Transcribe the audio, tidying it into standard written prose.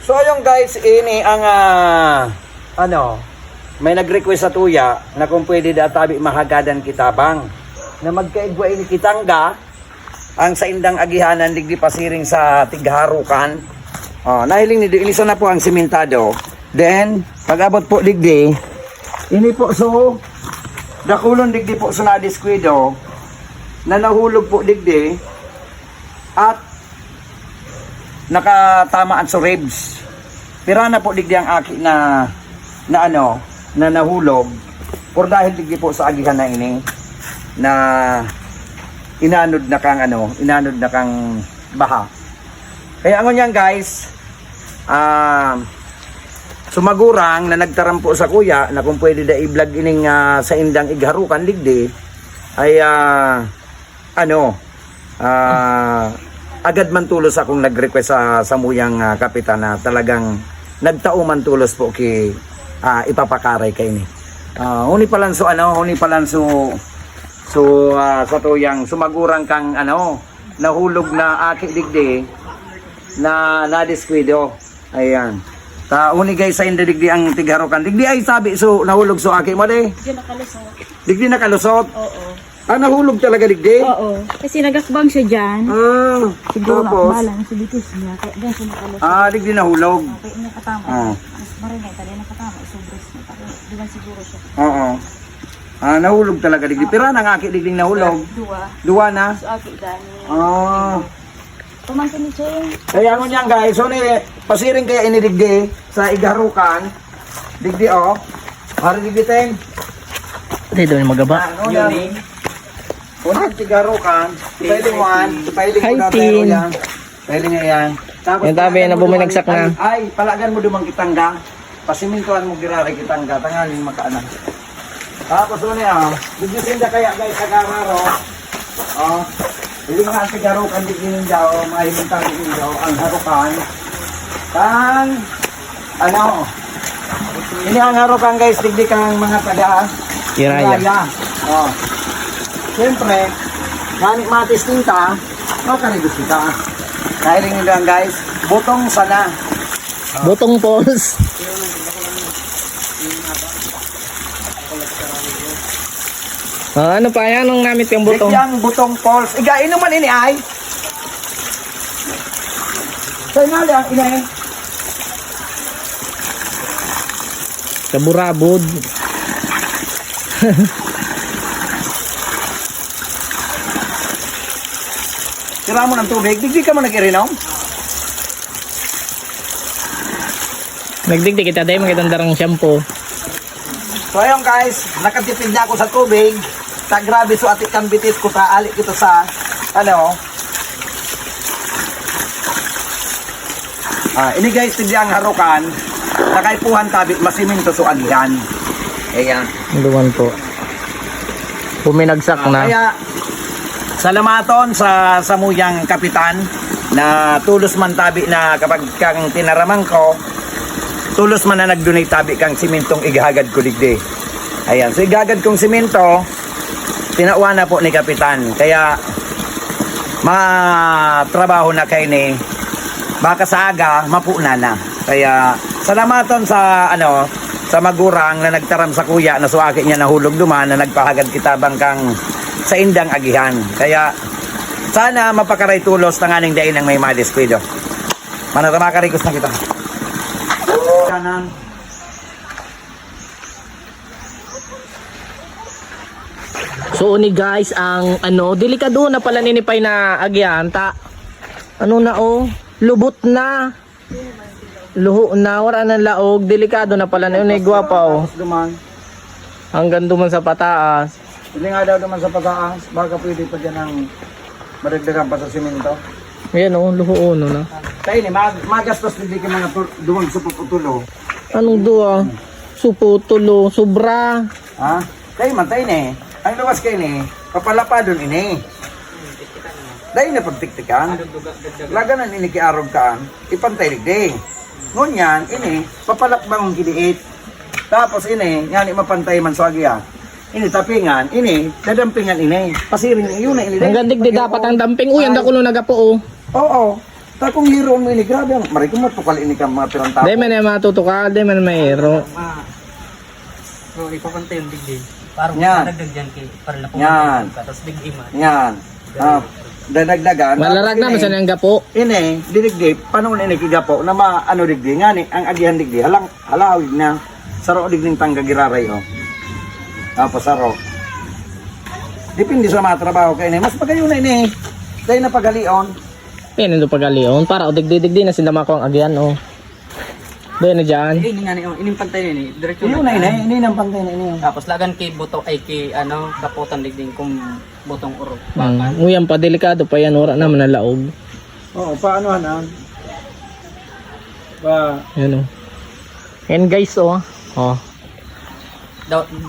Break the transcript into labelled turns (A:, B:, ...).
A: So ayun guys, ini ang may nag-request sa tuya na kung pwede databi mahagadan kitabang na magkaigwa ini kitangga ang sa indang agihanan digdi pasiring sa tigharukan. Nahiling ni ilisa na po ang simentado. Then pag-abot po digdi ini po so dakulon digdi po so na diskwido na nahulog po digdi at nakatamaan sa ribs. Pira na po digdi ang aki na nahulog por dahil digdi po sa agihan na ini na inanod na kang baha. Kaya ang yan guys, sumagurang na nagtaram po sa kuya na kung pwede da i-vlog ining sa indang igharukan digdi ay agad man tulos akong nag-request sa muyang kapitan na talagang nagtao man tulos po ki ipapakaray kay ni. Huni palan so sa tuyang sumagurang kang nahulog na aki digdi na nadiskwido. Ayan. Uni guys sa inda digdi ang tigharukan. Digdi ay sabi so nahulog so aki mo de. Digdi nakalusot. Oo. Nahulog talaga digdi?
B: Oo. Kasi nagakbang siya dyan. Siguro
A: tapos?
B: balang sa bitis niya. Kaya dyan siya nakalusot.
A: Digdi nahulog.
B: Kaya nakatama. Mas marinay. Kaya nakatama. Isubres niya. Diyan siguro siya.
A: Oo. Nahulog talaga digdi. Pero nangaki digdi nahulog? Dua na?
B: So aki dani. Pumangkin ni Cheng.
A: Kaya mo niyan guys. So pasiring kaya ini digdi sa igharukan. Digdi Hari digdi ten.
C: Hindi doon magaba.
A: Unang tigarukan, pwede mo na tayo yan. Pwede nga yan. Tapos
C: yung tabi na buminagsak na.
A: Ay, palagan mo dumang kitangga. Pasimintuan mo girari kitangga. Tangalin makaanan. Tapos bigyan kaya guys sa gararo. Hindi nga ang tigarukan diginin daw, mahimintang diginin daw ang harukan. Ini ang harukan guys, digdi kang mga taga.
C: Iraya.
A: Siyempre, manik matis tinta, makaribos kita. Dahil nyo lang guys, butong sana.
C: Butong poles. Ano pa yan? Anong gamit yung butong?
A: Yung butong poles. Igain naman ini ay. Sa'yo nga lang, inay.
C: Kaburabod.
A: Tira mo ng tubig, digdi ka mo nag-irinom?
C: Nagdigdi kita dahil magandang darang shampoo.
A: So ayun guys, nakatipid na ako sa tubig. Grabe so atik kang bitis ko taalik ito sa ini guys, hindi ang harukan. Nakaipuhan tabi, masiminto so agihan. Ayan.
C: Luwan po. Puminagsak na.
A: Kaya salamaton sa samuyang kapitan na tulos man tabi na kapag kang tinaramang ko, tulos man na nag-donate tabi kang simintong igahagad ko digdi. Ayan, so igagad kong simento, tinauwa na po ni kapitan. Kaya matrabaho na kayo ni baka sa aga, mapuna na. Kaya salamaton sa sa magurang na nagtaram sa kuya na suwaki niya nahulog duman na nagpahagad kitabang kang sa indang agihan. Kaya sana mapakaray tulos ng aning dain ng may madiskwido. Makakarikos na kita. Kanan.
C: So ni guys, ang delikado na pala ninipay na agihan ta. Lubot na. Luho na, wala ng laog, delikado na pala na yun, gwapo. Hanggang duman sa pataas.
A: Hindi nga daw duman sa pataas, baka pwede pa dyan ang maragdagan pa sa simento.
C: Ayan luho na.
A: Kaya ni, magastos hindi ka mga duwang suputulo.
C: Anong duwa? Suputulo, sobra.
A: Kaya matay ni, ang luwas kayo ni, papalapa doon ini. Dahil na pagtiktikan, laganan ini kiarog kaan, ipantay ligdi. Ngunyan, ini, papalakbang kiliit. Tapos ini, yan mapantay man sa agya. Ini tapingan, ini, dadampingan ini. Pasiring, yun na ini.
C: Ang gandig di dapat ang damping. Uy, ang dakulo nagapo.
A: Oo. Ta kung hiroon mo ini grabe ang mari ko matukal ini ka mga pirang tao.
C: Di man na matutukal, di man mayro.
D: So, ipapantay yung digdig. Parang
A: Yan.
D: dagdag dyan kay para na
A: Yan.
D: ka. Tapos digdig man.
A: Yan. Dadagdagan.
C: Malarag na man ang gapo.
A: Ini, didigdig, paano ini kigapo na maano digdi nga ni ang agihan digdi halang halawig na saro digding tangga giraray oh. Tapos saro. Depende sa mga trabaho kay ini. Mas pagayo na ini. Dahil na pagalion.
C: Yan ang pagalion. Para o digdi-digdi na sinama ko ang agyan o. Doon na dyan.
D: Ini nga ni, ining pantay ni, diretso
A: Ini na ini, ini nang pantay na ini.
D: Tapos lagan kay buto ay kay ano, kaputan digding kung butong uro.
C: Nguyan pa, delikado pa yan. Wala naman na laog.
A: Oo, paano hanan? Pa
C: Yan o. Yan guys o. Oh.
D: Daw,